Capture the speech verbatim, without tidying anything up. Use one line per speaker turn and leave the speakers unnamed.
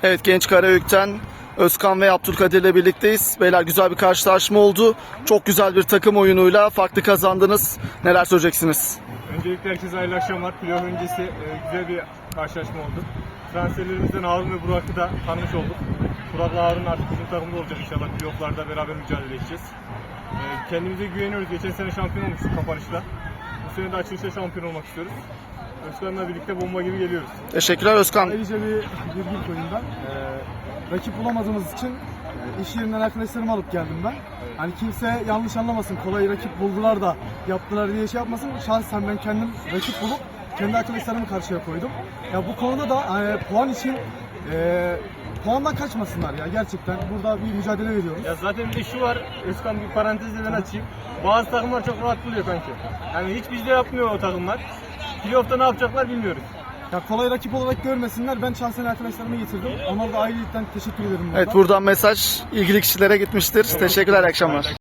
Evet, Genç Karayük'ten Özkan ve Abdülkadir ile birlikteyiz. Beyler, güzel bir karşılaşma oldu. Çok güzel bir takım oyunuyla farklı kazandınız. Neler söyleyeceksiniz?
Öncelikle herkese hayırlı akşamlar. Playoff öncesi e, güzel bir karşılaşma oldu. Transferlerimizden Harun ve Burak'ı da tanımış olduk. Burak'la Harun artık bizim takımda olacak inşallah. Playoff'larda beraber mücadele edeceğiz. E, kendimize güveniyoruz. Geçen sene şampiyon olmuştuk kapanışta. Bu sene de açılışta şampiyon olmak istiyoruz. Özkan'la birlikte bomba gibi geliyoruz.
Teşekkürler Özkan.
Ayrıca bir virgül koyayım ben. Ee, rakip bulamadığımız için e, iş yerinden arkadaşlarımı alıp geldim ben. Hani kimse yanlış anlamasın, kolay rakip buldular da yaptılar diye şey yapmasın. Şahsen ben kendim rakip bulup kendi arkadaşlarımı karşıya koydum. Ya bu konuda da e, puan için e, puandan kaçmasınlar ya, gerçekten. Burada bir mücadele veriyoruz.
Ya zaten bir de şu var, Özkan bir parantezle ben açayım. Bazı takımlar çok rahat buluyor kanki. Yani hiç bizde yapmıyor o takımlar. Playoff'ta ne yapacaklar bilmiyoruz.
Ya kolay rakip olarak görmesinler. Ben şahsen arkadaşlarımı getirdim. Onlara da ayrıca teşekkür ederim burada.
Evet, buradan mesaj ilgili kişilere gitmiştir. Teşekkürler, iyi akşamlar.